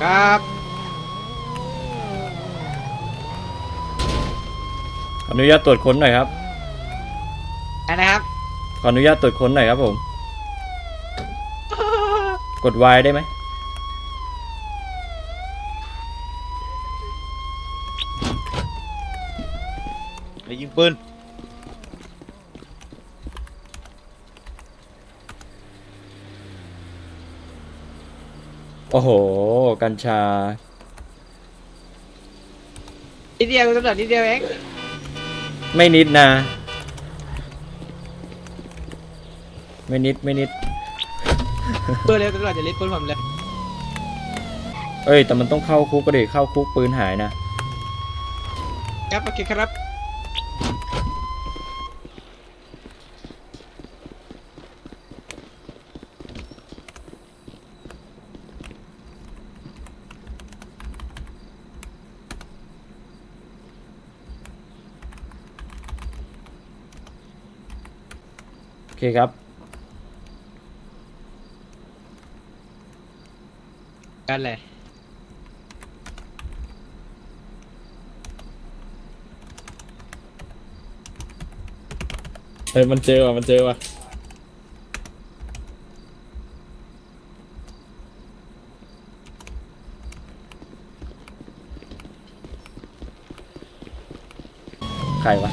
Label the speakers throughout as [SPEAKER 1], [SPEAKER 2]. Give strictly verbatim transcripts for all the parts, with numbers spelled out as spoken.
[SPEAKER 1] ครับ
[SPEAKER 2] ขออนุญาตตรวจค้นหน่อยครับ
[SPEAKER 1] อะไรนะครับ
[SPEAKER 2] ขออนุญาตตรวจค้นหน่อยครับผมกด Y ได้ไหม
[SPEAKER 3] ไอ้ยิงปืน
[SPEAKER 2] โอ้โหกัญชา
[SPEAKER 1] นิดเดียวตำรวจนิดเดียวเอง
[SPEAKER 2] ไม่นิดนะไม่นิดไม่นิด
[SPEAKER 1] เปิดเลยตำรวจจะรีบปืนผมเลย
[SPEAKER 2] เอ้ยแต่มันต้องเข้าคุกก็ดิเข้าคุกปืนหายนะ
[SPEAKER 1] ครับโอเคครับ
[SPEAKER 2] โอเคครับ
[SPEAKER 1] กันเลย
[SPEAKER 4] เฮ้ยมันเจอว่ะมันเจอว่ะ
[SPEAKER 2] ใครวะ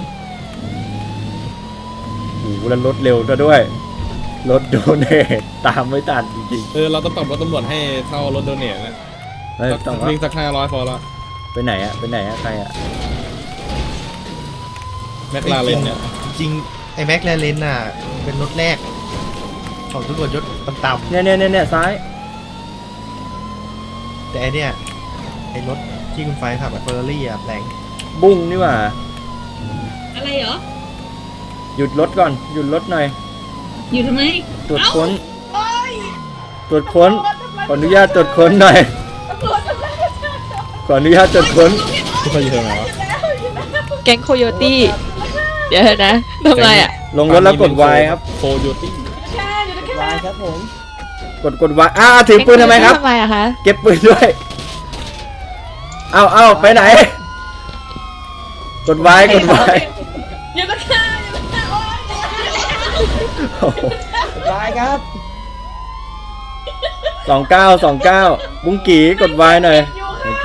[SPEAKER 2] โอ้โหแล้วรถเร็วซะด้วยรถโดเนทตามไม่ทันจริง
[SPEAKER 4] เออเราต้องปรับรถตำรวจให้เท่ารถโดเนทนะ
[SPEAKER 2] ๆเฮ้ยต้องว่า
[SPEAKER 4] วิ่งสักห้าร้อยพอละ
[SPEAKER 2] ไปไหนอะไปไหนอะใครอะ
[SPEAKER 4] แมคลาเรนเนี่ย
[SPEAKER 3] จริงไอ้แม็กแลเลนน่ะเป็นรถแรกของตำรวจยศต่ำ
[SPEAKER 2] เนี่ยเนี่ยเนี่ยเนี่ยซ้าย
[SPEAKER 3] ๆแต่ไอเนี่ยไอ้รถที่คุณไฟขับอะเฟอร์รี่อะแปลง
[SPEAKER 2] บุ้งนี่หว่า
[SPEAKER 5] อะไรเหรอ
[SPEAKER 2] หยุดรถก่อนหยุดรถหน่อย
[SPEAKER 5] อยู่ทำไม
[SPEAKER 2] ตรวจค้นตรวจค้นขออนุญาตตรวจค้นหน่อยขออนุญาตตรวจค้น
[SPEAKER 4] ที่เขาอยู่ตรงไหนวะ
[SPEAKER 6] แก๊งโคโยตี้ เดี๋ยวนะทำไรอ่ะ
[SPEAKER 2] ลงรถแล้วกด Y ครับ
[SPEAKER 4] โคโยตี้
[SPEAKER 2] กดกด Y อ้าวถือปืนทำไมครับ
[SPEAKER 6] ทำไมอะคะ
[SPEAKER 2] เก็บปืนด้วยเอาเอาไปไหนกด Y กด Y
[SPEAKER 5] อยู่ตะข้าอยู่ตะข้าโอ๊ย
[SPEAKER 1] ไปครับ
[SPEAKER 2] สองเก้าสองเก้าบุ้งกี่กด Y หน่อยโอเค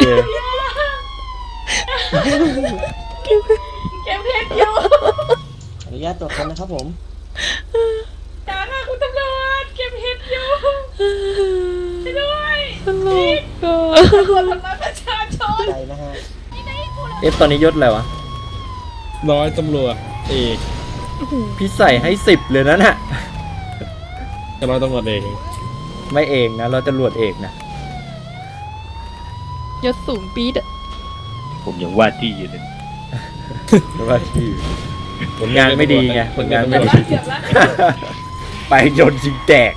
[SPEAKER 5] เก็บเพชรอยู่
[SPEAKER 1] อนุญาตตรวจคนนะครับผม
[SPEAKER 5] จ้าค่ะคุณตำรวจเก็บเพชรอยู่ไปด้วย
[SPEAKER 6] ตลกอ่ะ
[SPEAKER 5] ตำรวจทำร้ายประชาชน
[SPEAKER 1] ใจนะฮะ
[SPEAKER 2] เอฟตอนนี้ยศอะไรวะ
[SPEAKER 4] ร้อยตำรวจเอก
[SPEAKER 2] พี่ใส่ให้สิบเลยนะน่ะ
[SPEAKER 4] กับร้อยตำรวจเอก
[SPEAKER 2] ไม่เองนะเราจะรวจเอกนะ
[SPEAKER 6] ยศสูงปี๊ดอะ
[SPEAKER 3] ผมยังว่าที่อยู่เลย
[SPEAKER 2] เพราะว่าที่ผลงานไม่ดีไงผลงานไม่ดี
[SPEAKER 5] เกือบแล้ว
[SPEAKER 2] ไปโดนยิงแตก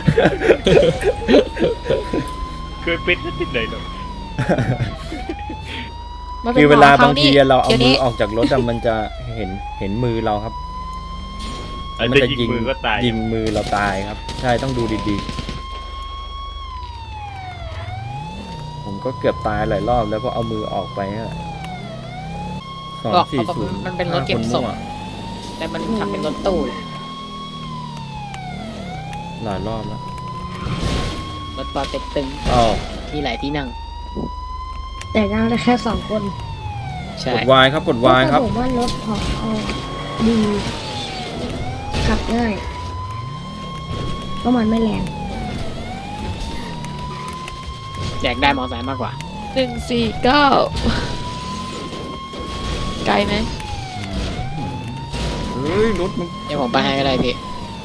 [SPEAKER 3] เคยเป็นที่ไหนหรอ
[SPEAKER 6] มาป็น
[SPEAKER 2] คือเวลา
[SPEAKER 6] หม
[SPEAKER 2] บางที
[SPEAKER 6] นี่
[SPEAKER 2] เราเอา
[SPEAKER 6] ดี๋ยว
[SPEAKER 2] มื
[SPEAKER 6] นี้
[SPEAKER 2] อออกจากรถอะมันจะเห็นเห็นมือเราครับ
[SPEAKER 3] มันจะยิงมือก็ตาย
[SPEAKER 2] ยิงมือเราตายครับ ใช่ต้องดูดีๆ ผมก็เกือบตายหลายรอบแล้วก็เอามือออกไปอะสอง
[SPEAKER 1] บอก
[SPEAKER 2] สี่
[SPEAKER 1] เขาบอก
[SPEAKER 2] ศูนย์
[SPEAKER 1] มันเป็นรถเก็บศพ แต่มันขับเป็นรถตู้
[SPEAKER 2] หลายรอบแล้ว
[SPEAKER 1] รถปอเต็กตึง
[SPEAKER 2] อ้าว
[SPEAKER 1] มีหลายที่นั่ง
[SPEAKER 7] แต่นั่งได้แค่สองคน
[SPEAKER 1] ใช่
[SPEAKER 2] กด Y ครับกด Y ครับ
[SPEAKER 7] ผมว่ารถของเอาดีขับง่ายเพราะมันไม่แรง
[SPEAKER 1] แจกได้มอไซค์มากกว่า
[SPEAKER 6] หนึ่งสี่เก้าไกลไหม
[SPEAKER 2] เฮ้ยรถมัน
[SPEAKER 1] เดี๋ยวผมไปให้ก็ได้พี่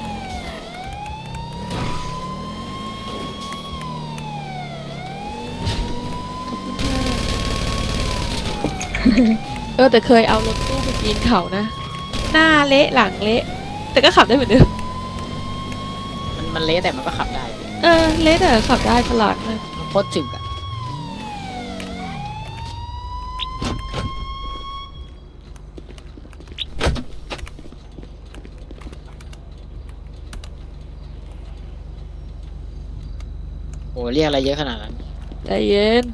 [SPEAKER 6] เออแต่เคยเอารถตู้ไปปีนเขานะ หน้าเละหลังเละ แต่ก็ขับได้เหมือนเดิม
[SPEAKER 1] มันมันเละแต่มันก็ขับได้พี่
[SPEAKER 6] เออเละแต่ขับได้ฉลาดมาก
[SPEAKER 1] มันโคตรจึกอะโอ้เรียกอะไรเยอะขนาดนั้น
[SPEAKER 6] ใจเย็น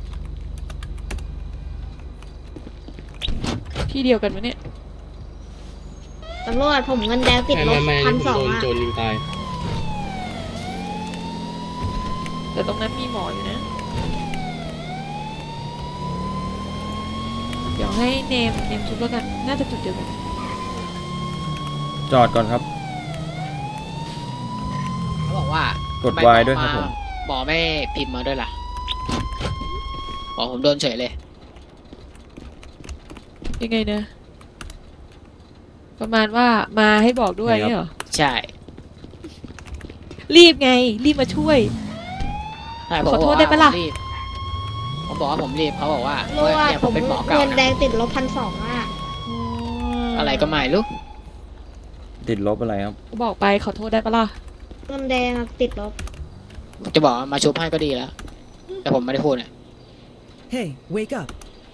[SPEAKER 6] ที่เดียวกันไหมเนี่ย
[SPEAKER 8] ตำรวจผมเงินแดงติดลบพันสองอ่ะ
[SPEAKER 4] ยิงตาย
[SPEAKER 6] แต่ตรงนั้นมีหมออยู่นะ เดี๋ยวให้เนมเนมชุบแล้วกัน น่าจะจุดเดียวกัน
[SPEAKER 2] จอดก่อนครับ
[SPEAKER 1] เขาบอกว่าก
[SPEAKER 2] ด
[SPEAKER 1] ทำไม
[SPEAKER 2] Y ด้วยครับผม
[SPEAKER 1] หมอไม่พิมพ์มาด้วยล่ะหมอผมโดนเฉยเลย
[SPEAKER 6] ยังไงนะ ประมาณว่ามาให้บอกด้วย
[SPEAKER 2] ครับ
[SPEAKER 6] เนี่ยเหรอ
[SPEAKER 1] ใช่
[SPEAKER 6] รีบไง รีบมาช่วย
[SPEAKER 1] ใช่ผม
[SPEAKER 6] ขอโทษ
[SPEAKER 1] บอกว่า
[SPEAKER 6] ได้ปะล่ะ
[SPEAKER 1] ผมรีบผมบอกว่าผมรีบเขาบอกว่า
[SPEAKER 8] ตำรวจ
[SPEAKER 1] เนี่ย
[SPEAKER 8] ผ
[SPEAKER 1] ผม
[SPEAKER 8] ม
[SPEAKER 1] เป็นหมอเก่า
[SPEAKER 8] เงินแด
[SPEAKER 1] นะ
[SPEAKER 8] งติดลบพันสองอ่ะ
[SPEAKER 1] อะไรก็ไม่รู้
[SPEAKER 2] ติดลบอะไรครับ
[SPEAKER 6] บอกไปขอโทษได้ปะล่ะ
[SPEAKER 8] เงินแดงอะติดลบ
[SPEAKER 1] จะบอกว่ามาชุบให้ก็ดีแล้ว แต่ผมไม่ได้พูดเนี่ย
[SPEAKER 9] Hey, wake up.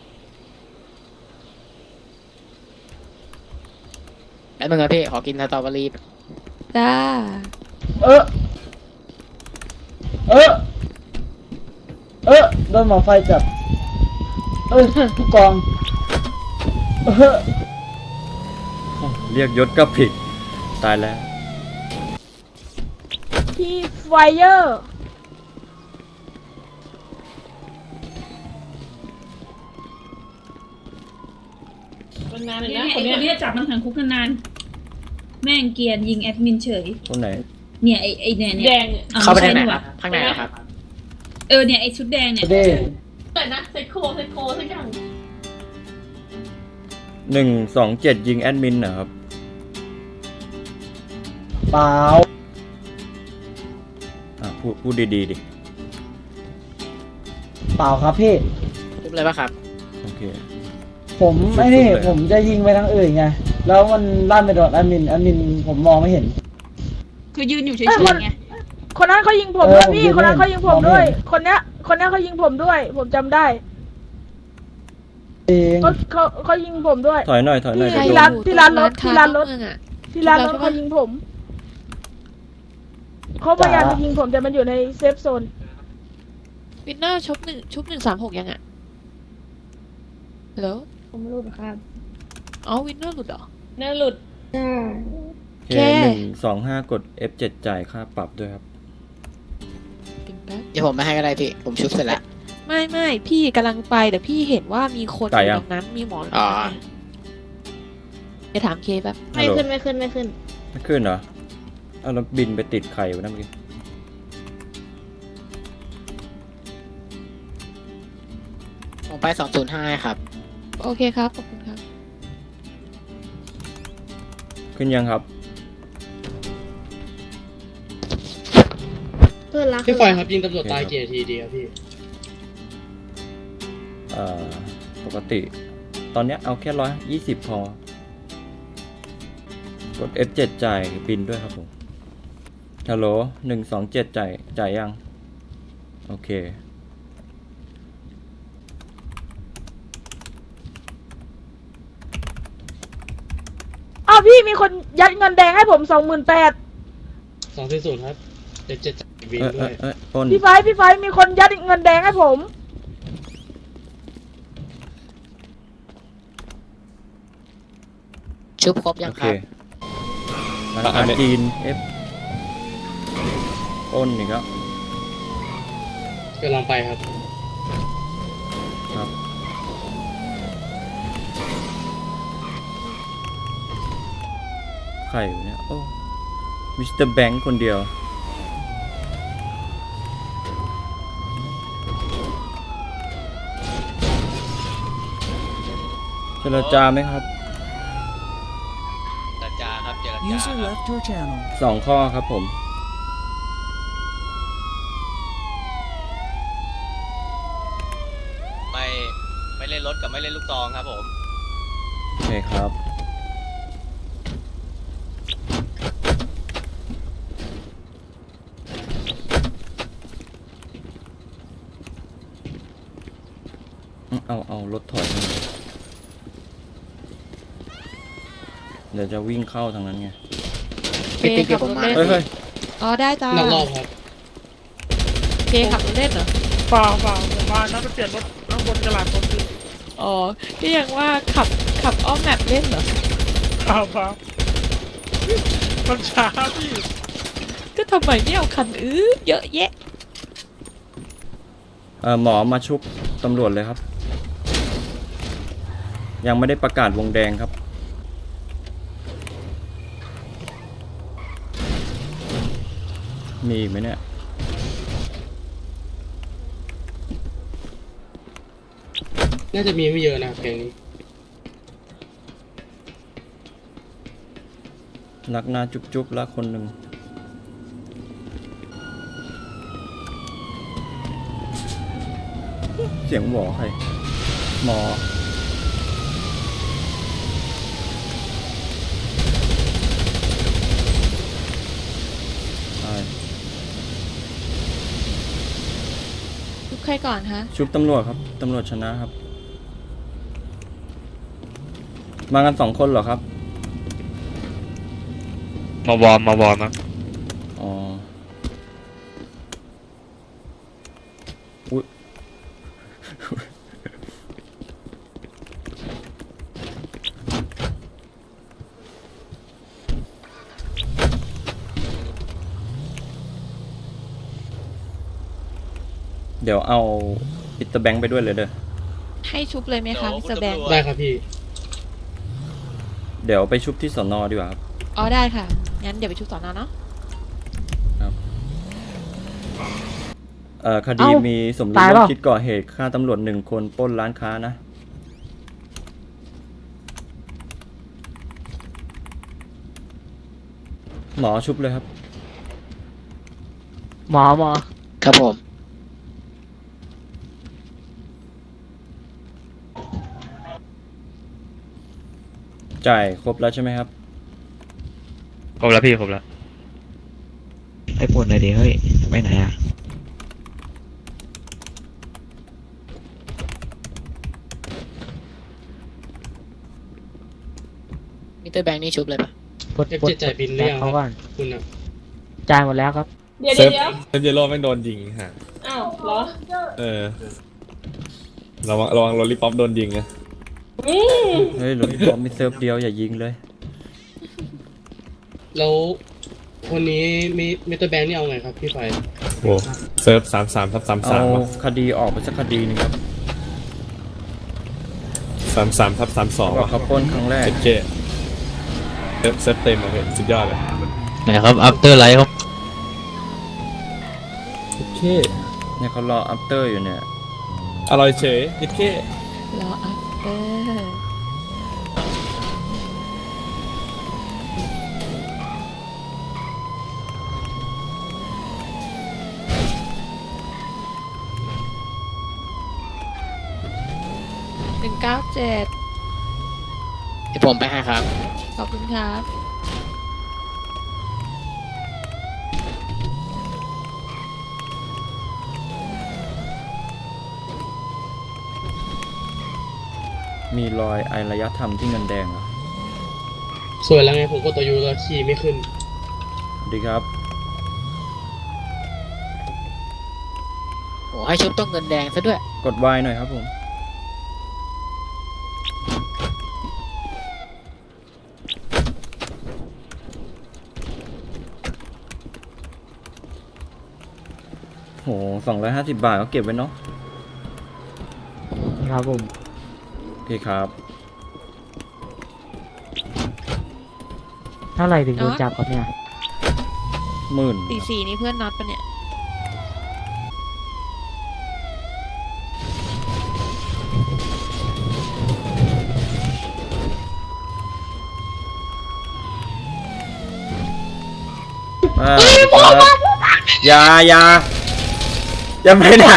[SPEAKER 1] แล้วมึงอะพี่ขอกินสตรอเบอรี่
[SPEAKER 6] จ้า
[SPEAKER 10] เออ เออ เออโดนหมอไฟจับ เออผู้กอง เออ
[SPEAKER 2] เรียกยศก็ผิด ตายแล้ว
[SPEAKER 5] พี่ไฟเออร์ นานเลย
[SPEAKER 11] เนี่ย
[SPEAKER 5] นะค
[SPEAKER 11] ไอ้
[SPEAKER 5] น
[SPEAKER 11] ค
[SPEAKER 5] เนี้ย
[SPEAKER 11] นนี้จับมันขังคุกนานๆแม่งเกรียนยิงแอดมินเฉย
[SPEAKER 2] คนไหน
[SPEAKER 11] เนี่ยไอ้ไอ้เนี่ย
[SPEAKER 5] แด
[SPEAKER 11] เนี่ย
[SPEAKER 5] ง
[SPEAKER 11] อ้ว
[SPEAKER 1] เข้าไปได้
[SPEAKER 11] ม่
[SPEAKER 1] ไหน
[SPEAKER 11] ใช่
[SPEAKER 1] ครับ ข้างในเหรอครับ
[SPEAKER 11] เออเนี่ยไอ้ชุดแดงเนี่ย
[SPEAKER 10] เด้
[SPEAKER 5] แต่นะไซโคไซโคสักอย่าง
[SPEAKER 2] หนึ่งสองเจ็ดยิงแอดมินเหรอครับ
[SPEAKER 10] เปล่า
[SPEAKER 2] อ่ะพูดพูดดีๆดิ
[SPEAKER 10] เปล่าครับพี่
[SPEAKER 1] ชุบเลยปะครับ
[SPEAKER 2] โอเค
[SPEAKER 10] ผมไอ้นี่
[SPEAKER 2] สุดๆเลย
[SPEAKER 10] ผมจะยิงไปทางอื่นไง แล้วมันลั่นไปโดนแอดมินแอดมินผมมองไม่เห็น
[SPEAKER 11] คือยืนอยู่เฉ
[SPEAKER 5] เอ้ยคน
[SPEAKER 11] ยๆไง
[SPEAKER 5] คนนั้นเขายิงผม
[SPEAKER 10] เออ
[SPEAKER 5] ด้วยพี่
[SPEAKER 10] ผม
[SPEAKER 5] คนนั้นเขายิงผม
[SPEAKER 10] มองไม่
[SPEAKER 5] ด้วย
[SPEAKER 10] เห็น
[SPEAKER 5] คนเนี้ย คนเนี้ยเขายิงผมด้วย ผมจำได้
[SPEAKER 10] เอง
[SPEAKER 5] เขาเขาเขายิงผมด้วย
[SPEAKER 2] ถอยหน่อยถอยหน่อย
[SPEAKER 5] พี่
[SPEAKER 2] เดี๋ยว
[SPEAKER 5] ร้าน
[SPEAKER 2] โดน
[SPEAKER 5] ที่ร้านรถที่ร้านรถ
[SPEAKER 6] เมืองอะ
[SPEAKER 5] ที่ร้านรถ
[SPEAKER 6] ชุบแล้วใช่ปะ
[SPEAKER 5] เขายิงผมเขาพยายามจะยิงผมแต่มันอยู่ในเซฟโซน
[SPEAKER 6] วินเนอร์ชุบหนึ่งชุบหนึ่งสามหกยังอะฮัลโหล
[SPEAKER 7] ผมไม่รู้นะครับ
[SPEAKER 6] อ๋อวินเนอร์หลุดเหรอ
[SPEAKER 5] เนื้อหลุด
[SPEAKER 7] อ่า
[SPEAKER 2] โอเคหนึ่งสองห้ากด เอฟ เจ็ด จ่ายค่าปรับด้วยครับ
[SPEAKER 6] จริงแป๊บ
[SPEAKER 1] เดี๋ยวผมไม่ให้ก็ได้พี่ ผมชุบเสร็จแล้ว
[SPEAKER 6] ไม่ไม่พี่กำลังไปแต่พี่เห็นว่ามีคนอ
[SPEAKER 2] ตายยั
[SPEAKER 6] ยู่
[SPEAKER 2] ง
[SPEAKER 6] ตรงนั้นมีหมออยู่
[SPEAKER 1] อ๋อ
[SPEAKER 6] ตรงนั้นจะถามเคแป๊บ
[SPEAKER 8] ไม่ขึ้นไม่ขึ้นไม่ขึ้น
[SPEAKER 2] ไม่ขึ้นเหรอเอาแล้วบินไปติดไข่ไว้นั่นเมื่อกี้
[SPEAKER 1] ผมไปสองศูนย์ห้าครับ
[SPEAKER 6] โอเคครับขอบคุณครับ
[SPEAKER 2] ขึ้นยังครับ
[SPEAKER 8] ขึ้นละ
[SPEAKER 4] พี่
[SPEAKER 8] ขึ้น
[SPEAKER 4] ฟอย
[SPEAKER 8] ละ
[SPEAKER 4] ครับยิงตำรวจตายกี่นาทีดีครับพี่
[SPEAKER 2] เอ่อ ปกติ ตอนเนี้ยเอาแค่ร้อยยี่สิบพอ กด เอฟ เจ็ด จ่ายบินด้วยครับผม ฮัลโหลหนึ่งสองเจ็ดจ่ายจ่ายยัง โอเค
[SPEAKER 5] อ้าวพี่มีคนยัดเงินแดงให้ผมสองหมื่นแปด
[SPEAKER 4] สองสี่ศูนย์ครับเจ็ดเจ็ดวิน
[SPEAKER 2] เอ้ย
[SPEAKER 4] ด้
[SPEAKER 2] เอ้
[SPEAKER 4] วย ย
[SPEAKER 2] เอ้ยอ้น
[SPEAKER 5] พี่ไฟพี่ไฟมีคนยัดเงินแดงให้ผม
[SPEAKER 1] ชุบครบยั
[SPEAKER 2] โอง
[SPEAKER 1] ค
[SPEAKER 2] เครับ ร้านอาหารจีน เอฟอ้นอีกแล้ว
[SPEAKER 4] กำลังไปครับ
[SPEAKER 2] ครับ ใครอยู่เนี่ย โอ้ มิสเตอร์แบงค์คนเดียว เจรจาไหมครับ
[SPEAKER 9] เจรจาครับเจรจา User left your channel.
[SPEAKER 2] สองข้อครับผม
[SPEAKER 9] ไม่ไม่เล่นรถกับไม่เล่นลูกตองครับผม
[SPEAKER 2] โอเคครับ เอา เอารถถอยมาเดี๋ยวจะวิ่งเข้าทางนั้นไง
[SPEAKER 6] เค
[SPEAKER 1] พี่ติ๊ก
[SPEAKER 6] ขั
[SPEAKER 1] เดี๋ยวผม
[SPEAKER 6] บรถ
[SPEAKER 1] มา
[SPEAKER 6] เล่น
[SPEAKER 2] เฮ้ยเฮ้ย
[SPEAKER 6] อ๋อได้จ้า
[SPEAKER 4] นักรอบครับ
[SPEAKER 6] เคขับรถเล่นเหรอ
[SPEAKER 5] เปล่าเปล่าผมมานั่งไปเปลี่ยนรถข้างบนกระลาดรถคือ
[SPEAKER 6] อ๋อก็ยังว่าขับขับอ้อมแมปเล่นเหรอ
[SPEAKER 5] เปล่าเปล่ามันช้าพี่
[SPEAKER 6] ก็ทำไมไม่เอาคันอื้อเยอะแยะ
[SPEAKER 2] เอ่อหมอมาชุบตำรวจเลยครับ ยังไม่ได้ประกาศวงแดงครับ มีอีกไหมเนี่ย
[SPEAKER 4] น่าจะมีไม่เยอะนะครับแกงนี้
[SPEAKER 2] รักหน้าจุ๊บจุ๊บละคนหนึ่งเสียงหมอใครหมอใช่
[SPEAKER 6] ทุกใครก่อนฮะ
[SPEAKER 2] ชุบตำรวจครับตำรวจชนะครับ มากันสองคนเหรอครับ
[SPEAKER 12] มาวอร์มมาวอร์มนะ
[SPEAKER 2] อ๋ออุ๊ย เดี๋ยวเอาปิดตะแบงค์ไปด้วยเลยเด้อ
[SPEAKER 6] ให้ชุบเลยไหมคะมิสเตอร์แบงค์
[SPEAKER 4] ได้ครับพี่
[SPEAKER 2] เดี๋ยวไปชุบที่สอนอดีกว่าครับ
[SPEAKER 6] อ๋อได้ค่ะงั้นเดี๋ยวไปชุบสอนอเนาะ
[SPEAKER 2] เอ่อคดี
[SPEAKER 10] เอ้า
[SPEAKER 2] มีสมรู้
[SPEAKER 10] ตาย
[SPEAKER 2] ร่
[SPEAKER 10] เป
[SPEAKER 2] ว
[SPEAKER 10] ล่า
[SPEAKER 2] มคิดก่อเหตุฆ่าตำรวจหนึ่งคนปล้นร้านค้านะ หมอชุบเลยครับ
[SPEAKER 10] หมอหมอ
[SPEAKER 1] ครับผม
[SPEAKER 2] จ่ายครบแล้วใช่ไหมครับ
[SPEAKER 12] ครบแล้วพี่ครบแล้ว
[SPEAKER 9] ไอ้ปวดหน่อยดิเฮ้ยไปไหนอ่ะ
[SPEAKER 1] มิสเตอร์แบงค์นี่ชุบเลยปะ
[SPEAKER 10] กด
[SPEAKER 4] เอฟ
[SPEAKER 10] กด
[SPEAKER 4] เจ็ดจ่ายบินหรือยังค
[SPEAKER 10] เขา
[SPEAKER 4] รับ
[SPEAKER 10] ก่อน
[SPEAKER 4] คุณอ่ะ
[SPEAKER 10] จ่ายหมดแล้วครับ
[SPEAKER 5] เดี๋ยวเดี๋ยวเดี๋ยว
[SPEAKER 12] เซฟเยโร่แม่งโดนยิงฮะ
[SPEAKER 5] อ้าวเหรอ
[SPEAKER 12] เออ ระวังระวังโรลลี่ป๊อปโดนยิงนะ
[SPEAKER 5] อืม
[SPEAKER 2] เฮ้ยหลวงพี่บอกมีเซิร์ฟเดียวอย่ายิงเลย
[SPEAKER 4] แล้วคนนี้มีมิสเตอร์แบงค์นี่เอาไงครับพี่ไฟ
[SPEAKER 12] โอ้เซิร์ฟสามสามทับสาม
[SPEAKER 2] เอา
[SPEAKER 12] สาม
[SPEAKER 2] คดีออกไปสักคดีหนึงครับ
[SPEAKER 12] สามสามทับสามสอง
[SPEAKER 2] ว่าเขาปล้นครั้งแรก
[SPEAKER 12] เจเซิร์ฟเซิร์ฟเต็มเลยสุดยอดเลย
[SPEAKER 9] ไหนครับอัปเตอร์ไลท์ครับ
[SPEAKER 12] โอเค
[SPEAKER 2] เนี่ยเขารออัปเตอร์อยู่เนี่ย
[SPEAKER 12] อร่อยเฉยโอเค
[SPEAKER 6] รออัพเตอร์หนึ่งเก้าเจ็ด
[SPEAKER 1] เดี๋ยวผมไปให้ครับ
[SPEAKER 6] ขอบคุณครับ
[SPEAKER 2] มีรอยอารยธรรมที่เงินแดงเหรอ
[SPEAKER 4] สวยแล้วไงผมก็ตัวยูแล้วขี่ไม่ขึ้น
[SPEAKER 2] สวัสดีครับ
[SPEAKER 1] โอ้ให้ชุบต้องเงินแดงซะด้วย
[SPEAKER 2] กดวายหน่อยครับผม โหสองร้อยห้าสิบบาทก็เก็บไว้เนาะ
[SPEAKER 10] ครับผม
[SPEAKER 2] โอเคครับ
[SPEAKER 10] เท่าไหร่ถึงโดนจับครับเนี่ย
[SPEAKER 2] หมื่น
[SPEAKER 6] สี่สี่นี่เพื่อนน็อตปะเนี่ย
[SPEAKER 2] อ่าครับอย่าอย่าจะไปไหน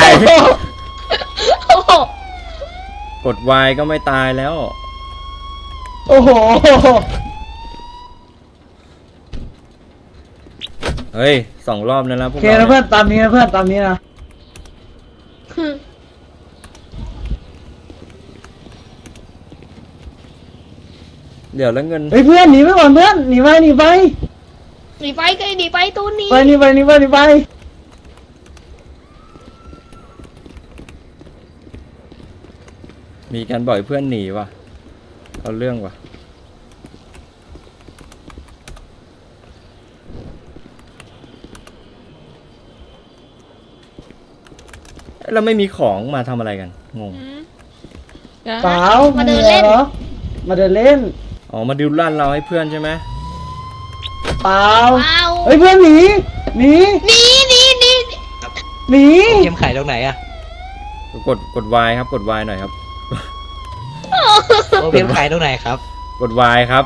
[SPEAKER 2] กดวายก็ไม่ตายแล้ว
[SPEAKER 10] โอ้โห
[SPEAKER 2] เฮ้ยสองรอบแล้วนะพ
[SPEAKER 10] โอ
[SPEAKER 2] วก
[SPEAKER 10] เค
[SPEAKER 2] เรา
[SPEAKER 10] นะเพื่
[SPEAKER 2] เนี่
[SPEAKER 10] อย นตามนี้นะเพื่อนตามนี้นะ
[SPEAKER 2] เดี๋ยวแล้วเงิน
[SPEAKER 10] เฮ้ยเพื่อนหนีไปก่อนเพื่อนหนีไปหนีไป
[SPEAKER 8] หนีไปก็หนีไปตูนหนี
[SPEAKER 10] ไปหนีไปหนีไปหนีไป
[SPEAKER 2] มีการบ่อยเพื่อนหนีว่ะเอาเรื่องว่ะเราไม่มีของมาทำอะไรกันงง
[SPEAKER 6] อืมเดี๋ยว
[SPEAKER 10] เป
[SPEAKER 6] นะ
[SPEAKER 10] ล่ามาเดินเล่นเหรอมาเดินเล่น
[SPEAKER 2] อ๋อมาดิวลั่นเราให้เพื่อนใช่ไหม
[SPEAKER 10] เปล่า
[SPEAKER 8] ว้าว
[SPEAKER 10] เฮ้ยเพื่อนหนีหนี
[SPEAKER 8] หนีหนีหนี
[SPEAKER 10] หนี
[SPEAKER 9] เกมขายตรงไหนอะ
[SPEAKER 2] กดกด Y ครับกด Y หน่อยครับ
[SPEAKER 9] เกมขายตรงไหนครับ
[SPEAKER 2] กด Y ครับ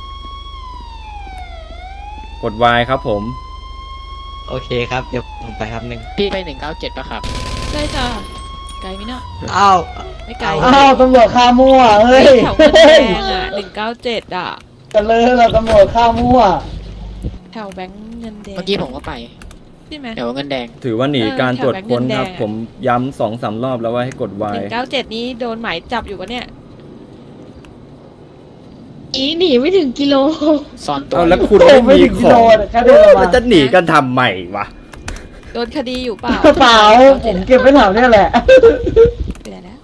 [SPEAKER 2] กด Y ครับผม
[SPEAKER 9] โอเคครับเดี๋ยวผมไปครับหนึ่ง
[SPEAKER 1] พี่ไปหนึ่งเก้าเจ็ดปะครับ
[SPEAKER 6] ได้จ้ะไกลไหมเนาะ
[SPEAKER 9] อ้าว
[SPEAKER 6] ไม่ไกล
[SPEAKER 10] อ้าวตำรวจฆ่ามั่วเฮ้ย
[SPEAKER 6] แถวเงินแดงอ่ะหนึ่งเก้าเจ็ดอ่ะ
[SPEAKER 10] กันเลยเราตำรวจฆ่ามั่ว
[SPEAKER 6] แถวแบงค์เงินแดง
[SPEAKER 1] เมื่อกี้ผมก็ไป
[SPEAKER 6] ใช่ไหม
[SPEAKER 1] เดี๋ยวเงินแดง
[SPEAKER 2] ถือว่าหนี
[SPEAKER 6] เออ
[SPEAKER 2] การตรวจค้น
[SPEAKER 6] แถวแบงค์
[SPEAKER 2] ครับ
[SPEAKER 6] เงินแดง
[SPEAKER 2] ผมย้ำสองสามรอบแล้วว่าให้กด
[SPEAKER 6] ห
[SPEAKER 2] Y
[SPEAKER 6] นึ่งเก้าเจ็ดนี้โดนหมายจับอยู่ปะเนี่ย
[SPEAKER 8] หนีหนีไม่ถึงกิโล
[SPEAKER 1] ซ่อนตัว
[SPEAKER 2] เอาแล้ว
[SPEAKER 1] อยู่
[SPEAKER 2] คุณ
[SPEAKER 10] โอ้
[SPEAKER 2] ไม่
[SPEAKER 10] ไม่
[SPEAKER 2] มี
[SPEAKER 10] ถึง
[SPEAKER 2] ข
[SPEAKER 10] กิ
[SPEAKER 2] อ
[SPEAKER 10] โล
[SPEAKER 2] ง
[SPEAKER 10] แค่เดินมา
[SPEAKER 2] มันจะหนีกันทำใหม่วะ
[SPEAKER 6] โดนคดีอยู่เปล่า
[SPEAKER 10] เปล่าผมเก็บไว้แถวเนี้ยแหละ
[SPEAKER 6] เดี๋ยวนะ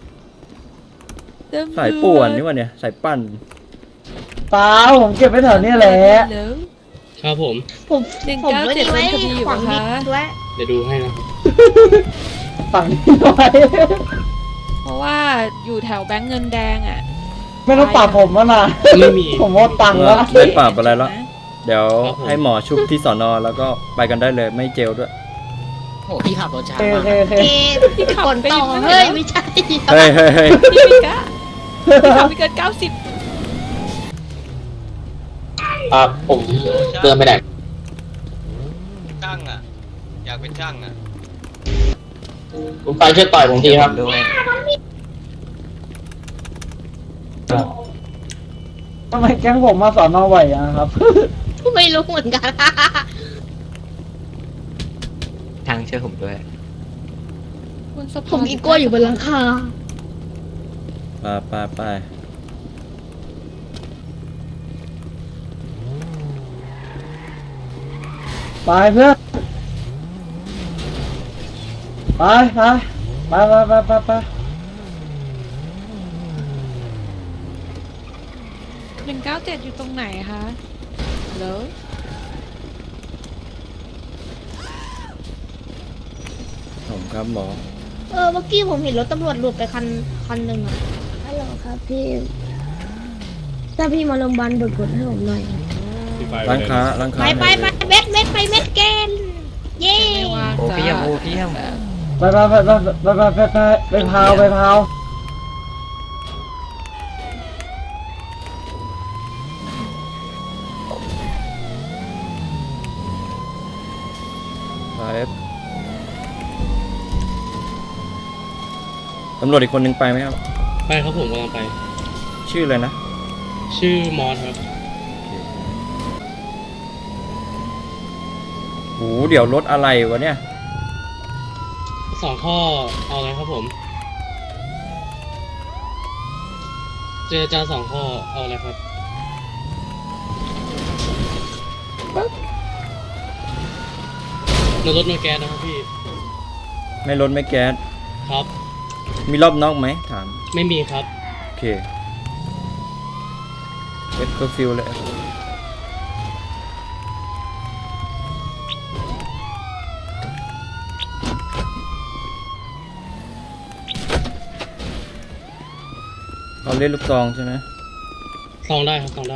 [SPEAKER 2] สายป่วนนี่วะเนี่ยสายปั่น
[SPEAKER 10] เปล่าผมเก็บไว้แถวเนี้ยแหละ
[SPEAKER 6] แล้ว
[SPEAKER 4] ครับผม
[SPEAKER 8] ผม
[SPEAKER 6] หนึ่ง
[SPEAKER 8] ผม
[SPEAKER 6] เก้า
[SPEAKER 8] ไม่
[SPEAKER 6] เจ็ด
[SPEAKER 8] ได้ไว้
[SPEAKER 6] โดนคดีอยู่
[SPEAKER 8] ขวาง
[SPEAKER 6] ปะ
[SPEAKER 8] นิ
[SPEAKER 6] คะ
[SPEAKER 8] ดด้วย
[SPEAKER 4] เดี๋ยวดูให้นะ
[SPEAKER 10] ฝั่งนี้ไว้
[SPEAKER 6] เพราะว่าอยู่แถวแบงค์เงินแดงอ่ะ
[SPEAKER 10] ไม่ต้องปรับผมแล้วนะ
[SPEAKER 4] ไม่มี
[SPEAKER 10] ผมว่าตังค์
[SPEAKER 2] เอ
[SPEAKER 10] แล้
[SPEAKER 2] อ
[SPEAKER 10] ว
[SPEAKER 2] ไม่ปรับอะไรแล้ว
[SPEAKER 6] นะ
[SPEAKER 2] เดี๋ยว
[SPEAKER 4] ครับผม
[SPEAKER 2] ให้หมอชุบที่สอนอแล้วก็ไปกันได้เลยไม่เจลด้วย
[SPEAKER 1] โอ้พี่ขับรถช้า
[SPEAKER 10] โอ
[SPEAKER 1] มาก
[SPEAKER 10] เคโอเค
[SPEAKER 8] เอผลต่อเฮ้ยไม่ใช่
[SPEAKER 2] เฮ้ยเฮ้ยเฮ้ย
[SPEAKER 6] พี่ไม่กล้าพี่ขับไม่เกินเก้าสิบ
[SPEAKER 4] ครับผมเดินไปไหน
[SPEAKER 9] ช่างอะอยากเป็นช่างอะ
[SPEAKER 4] คุณไปช่วยต่อยผมทีครับ
[SPEAKER 9] ด้วย
[SPEAKER 10] ทำไมแก๊งผมมาสอนอไหวอะครับ
[SPEAKER 8] ไม่รู้เหมือนกัน
[SPEAKER 9] ทางช่วยผมด้วย
[SPEAKER 6] บนสะพาน
[SPEAKER 8] ผมอีโก้อยู่บนหลังคา
[SPEAKER 2] ไปไปไป
[SPEAKER 10] ไปเพื่อนไปไปไปไปไปไปไป
[SPEAKER 6] หนึ่งเก้าเจ็ดอยู่ตรงไหนคะแล้ว
[SPEAKER 2] ผมครับหมอ
[SPEAKER 8] เออเมื่อกี้ผมเห็นรถตำรวจหลุดไปคันคันหนึ่งอะ
[SPEAKER 7] ฮัลโหลครับพี่ ถ้าพี่มาโรงพยาบาลเบิกกดให้ผมหน่อย
[SPEAKER 2] ร้านค้าร้านค้า
[SPEAKER 8] ไปไปไปเม็ดเม็ดไปเม็ดแกนเย้
[SPEAKER 6] ไม่ว่าง
[SPEAKER 9] โอ้
[SPEAKER 6] จ้ะ
[SPEAKER 9] พี่ยมโอ้พี่ยม
[SPEAKER 10] ไปไปไปไปไปไปไปไปไปพาวไปพาว
[SPEAKER 2] ไปตำรวจอีกคนนึงไปไหมครับ
[SPEAKER 4] ไปครับผมกำลังไป
[SPEAKER 2] ชื่ออะไรนะ
[SPEAKER 4] ชื่อมอสครับ
[SPEAKER 2] โอ้โหเดี๋ยวรถอะไรวะเนี่ย
[SPEAKER 4] สองข้อเอาอะไรครับผม เจรจาสองข้อเอาอะไรครับในรถมีแก๊สนะครับพี่
[SPEAKER 2] ไม่รถไม่แก๊ส
[SPEAKER 4] ครับ
[SPEAKER 2] มีรอบนอกไหมถาม
[SPEAKER 4] ไม่มีครับ
[SPEAKER 2] โอเคเอฟเคอร์ฟิวเลยเขาเล่นลูกซองใช่ไหม
[SPEAKER 4] ซองได้ครับซองได้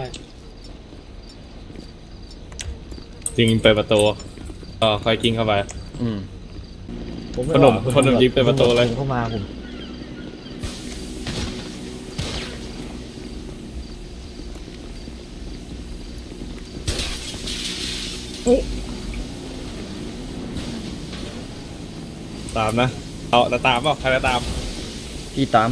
[SPEAKER 12] จริงเปิดประตูอ๋อคอยกินเข้าไป
[SPEAKER 2] อืม
[SPEAKER 12] ขนมขนมยิงเปิดประตูเลย
[SPEAKER 9] เข้ามาผม
[SPEAKER 12] ตามนะ เอาจะตามเปล่าใครจะตาม
[SPEAKER 2] พี่ตาม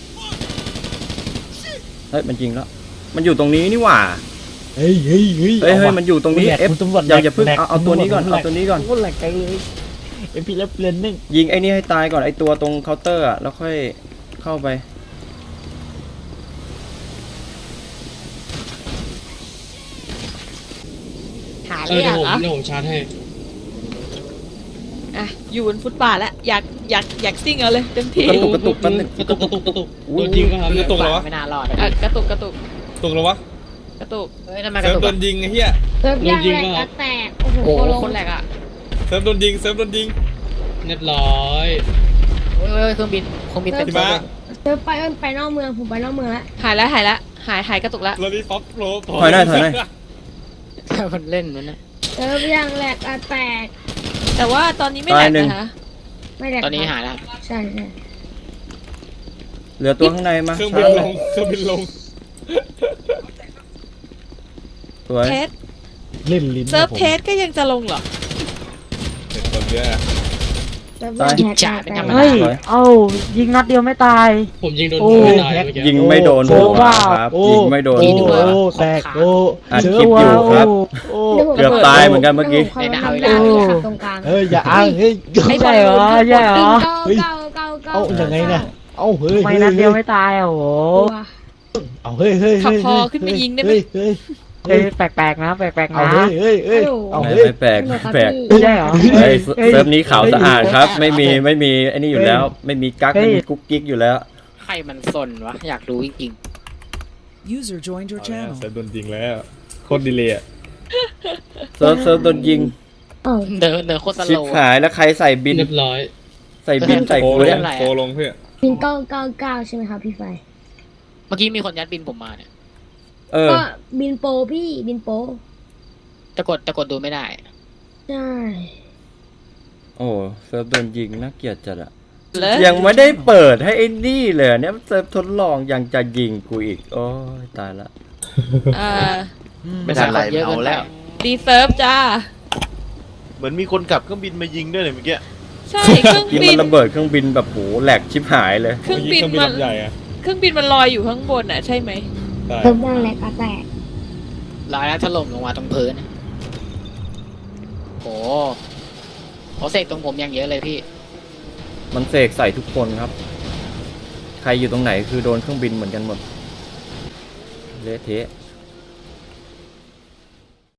[SPEAKER 2] เฮ้ย มันจริงแล้ว มันอยู่ตรงนี้นี่หว่า
[SPEAKER 10] เฮ้ยเฮ้ยเฮ้ย
[SPEAKER 2] เฮ้ยเฮ้ยมันอยู่ตรงนี้ เอฟอย่าอย่าเพิ่งเอาเอาตัวนี้ก่อน เอาตัวนี้ก่อน
[SPEAKER 10] โคตรแหลกใจเลยเอฟพีแล้วเลนนิ่ง
[SPEAKER 2] ยิงไอ้นี่ให้ตายก่อน ไอ้ตัวตรงเคาน์เตอร์อ่ะ แล้วค่อยเข้าไป
[SPEAKER 8] หา
[SPEAKER 4] เอ
[SPEAKER 8] เล
[SPEAKER 4] อย เดี๋ยวผม
[SPEAKER 8] เหรอ
[SPEAKER 4] เดี๋ยวผมชาร์จให้
[SPEAKER 6] อ่ะอยู่บนฟุตบาทแล้วอยากอยากอยากซิ่งเอาเลยเต็มที่
[SPEAKER 2] กระตุกกระตุกแป๊บนึง
[SPEAKER 4] กระตุกกระตุกกระตุก
[SPEAKER 2] อุ้
[SPEAKER 4] โด
[SPEAKER 2] ย
[SPEAKER 4] นยิงป่ะครับ
[SPEAKER 12] มัน
[SPEAKER 4] เนี่ย
[SPEAKER 12] จะตกแล้ววะ
[SPEAKER 1] ไม่น่ารอดนะ
[SPEAKER 6] อ่ะกระตุกกระตุก
[SPEAKER 12] ตกแล้ววะ
[SPEAKER 6] กระตุก
[SPEAKER 1] เฮ้ยทำไมก
[SPEAKER 12] เซิ
[SPEAKER 1] ระ
[SPEAKER 12] ร์ฟ
[SPEAKER 1] ตุก
[SPEAKER 12] โด
[SPEAKER 1] อะ
[SPEAKER 12] นยิงไอ้เหี้ย
[SPEAKER 8] เซิร์ฟย่างแรกก็แตก โอ้โห
[SPEAKER 1] โอ้โห
[SPEAKER 8] โคโล
[SPEAKER 1] คนแรกอ่ะ
[SPEAKER 12] เซิร์ฟโดนยิงเซิร์ฟโดนยิง
[SPEAKER 4] เรียบร้อย
[SPEAKER 1] โอ้ยโอ้ยเครื่องบินเครื่องบินเต็ม
[SPEAKER 12] พี่
[SPEAKER 1] ตัว
[SPEAKER 12] ม้า
[SPEAKER 1] เลย
[SPEAKER 8] เซิร์ฟไปเอิ้นไปนอกเมือง ผมไปนอกเมืองแล้ว
[SPEAKER 6] หายแล้วหายแล้วหายหายกระตุกแล้ว
[SPEAKER 12] เราดีป๊อปโปร
[SPEAKER 2] ถอยหน่อยถอยหน่อย
[SPEAKER 1] มันเล่นมันนะ
[SPEAKER 8] เซิร์ฟย่างแรกก็แตก
[SPEAKER 6] แต่ว่าตอนนี้ไม่แหลกนะคะ
[SPEAKER 8] ไม่แตก
[SPEAKER 1] ตอนนี้หายแล้ว
[SPEAKER 8] ใช่ใช่
[SPEAKER 2] เหลือตัวข้างในมา
[SPEAKER 12] เครื่องบินลงเครื่องบินลง
[SPEAKER 2] สวย
[SPEAKER 6] เทส
[SPEAKER 3] เล่นลิ้น
[SPEAKER 6] เซิร์ฟเทสก็ยังจะลงเหรอ
[SPEAKER 12] เห็นคนเยอะ
[SPEAKER 8] เซิร์ฟย่างแรกก็แตก
[SPEAKER 10] เฮ้ย เอ้ายิงนัดเดียวไม่ตาย
[SPEAKER 4] ผมยิงโดน
[SPEAKER 10] โอ้
[SPEAKER 4] ไม่ตายเมื่อกี้
[SPEAKER 2] ยิงไม่โดน
[SPEAKER 10] โอ้
[SPEAKER 2] หัวครับ
[SPEAKER 3] โอ้
[SPEAKER 2] ยิงไม่โดน
[SPEAKER 3] โอ้
[SPEAKER 2] หัว
[SPEAKER 3] โอ้แตกโอ้
[SPEAKER 2] อัดคลิปอยู่ครับ
[SPEAKER 3] โอ้
[SPEAKER 2] เกือบตายเหมือนกันเมื่อกี้
[SPEAKER 8] ในดาวดาวที่ขับตรงกลาง
[SPEAKER 3] เฮ้ยอย่าอ้างเฮ้ย
[SPEAKER 6] ไม่
[SPEAKER 10] ใช่เหรอใช่เหรอ
[SPEAKER 8] เก้า
[SPEAKER 3] เฮ้ย
[SPEAKER 8] เก้าเก้าเก้า
[SPEAKER 3] เอาอย่างไงเนี่ยเอาเฮ้ย
[SPEAKER 10] ไม่
[SPEAKER 3] เฮ้ย
[SPEAKER 10] นัดเดียว
[SPEAKER 3] เฮ้
[SPEAKER 10] ไม่
[SPEAKER 3] ย
[SPEAKER 10] ตายอ่ะโห
[SPEAKER 3] เอาเฮ้ยเฮ้ย
[SPEAKER 6] ขับ
[SPEAKER 3] เฮ้ย
[SPEAKER 6] พอ
[SPEAKER 3] เฮ้ย
[SPEAKER 6] ขึ้นไปยิงได้ไหม
[SPEAKER 3] เฮ้ยเฮ้ย
[SPEAKER 10] เฮ้ยแปลกๆนะแปลกๆ
[SPEAKER 3] เอา
[SPEAKER 10] นะ
[SPEAKER 3] เฮ้ยเฮ้ยเฮ้ยเอา
[SPEAKER 2] ไม่
[SPEAKER 3] เฮ้ย
[SPEAKER 2] ไม่แปลกไม่แปลก
[SPEAKER 10] ไม่ใช่เหรอ
[SPEAKER 2] เฮ้ยเซิร์ฟนี้ขาวสะอาดครับ ไม่มีไม่มีไอ้นี่อยู่แล้ว ไม่มีกั๊ก
[SPEAKER 10] เฮ้ย
[SPEAKER 2] ไม่มีกุ๊กกิ๊กอยู่แล้ว
[SPEAKER 1] ใครมันซนวะอยากรู้จริง
[SPEAKER 12] User joined your channel เซิร์ฟโดนยิงแล้วโคตรดีเลยอ่ะ
[SPEAKER 2] เซิร์ฟเซิร์ฟโดนยิง
[SPEAKER 8] เอ้า
[SPEAKER 1] ๆเดินเดินโคตรส
[SPEAKER 2] ชิ
[SPEAKER 1] โล
[SPEAKER 2] บ
[SPEAKER 1] ว์
[SPEAKER 2] หายแล้วใครใส่บิน
[SPEAKER 4] เรียบร้อย
[SPEAKER 2] ใส่บินใส่
[SPEAKER 12] โปร
[SPEAKER 2] กู
[SPEAKER 12] ล
[SPEAKER 2] เนี่
[SPEAKER 12] ง
[SPEAKER 2] ย
[SPEAKER 12] โปรลงเพื่อ
[SPEAKER 8] บินเก้าเก้าเก้าใช่ไหมครับพี่ไฟ
[SPEAKER 1] เมื่อกี้มีคนยัดบินผมมาเนี่ย
[SPEAKER 2] เออ
[SPEAKER 8] ก็บินโปรพี่บินโปร
[SPEAKER 1] จะกดจะกดดูไม่ได้
[SPEAKER 8] ใช่
[SPEAKER 2] โอ้เซิร์ฟโดนยิงน่าเกลียดจัดอะ
[SPEAKER 6] เลย
[SPEAKER 2] ยังไม่ได้เปิดให้ไอ้นี่เลยเนี่ยเซิร์ฟทดลองยังจะยิงกูอีก โอ้ยตายละ
[SPEAKER 6] อ่า
[SPEAKER 1] ไม่ทันไรเอาแล้ว
[SPEAKER 6] ดีเซิร์ฟจ้า
[SPEAKER 13] เหมือนมีคนขับเครื่องบินมายิงด้วยเนี่ยเมื่อกี้
[SPEAKER 6] ใช่เครื่อง
[SPEAKER 2] ที่
[SPEAKER 6] บิ
[SPEAKER 2] มัน นระเบิดเครื่องบินแบบโหแหลกชิบหายเลย
[SPEAKER 6] เครื่องบิน
[SPEAKER 12] เครื่องบิน
[SPEAKER 6] มัน
[SPEAKER 12] ลำใหญ่อะ
[SPEAKER 6] เครื่องบินมันลอยอยู่ข้างบนอ่ะใช่ไหม
[SPEAKER 12] ใช่
[SPEAKER 8] เซิร์ฟย่างแรกก็แตก
[SPEAKER 1] ลายแล้วถล่มลงมาตรงพื้นอะโอ้โหเสกตรงผมอย่างเยอะเลยพี่
[SPEAKER 2] มันเสกใส่ทุกคนครับ ใครอยู่ตรงไหนคือโดนเครื่องบินเหมือนกันหมดเละเทะ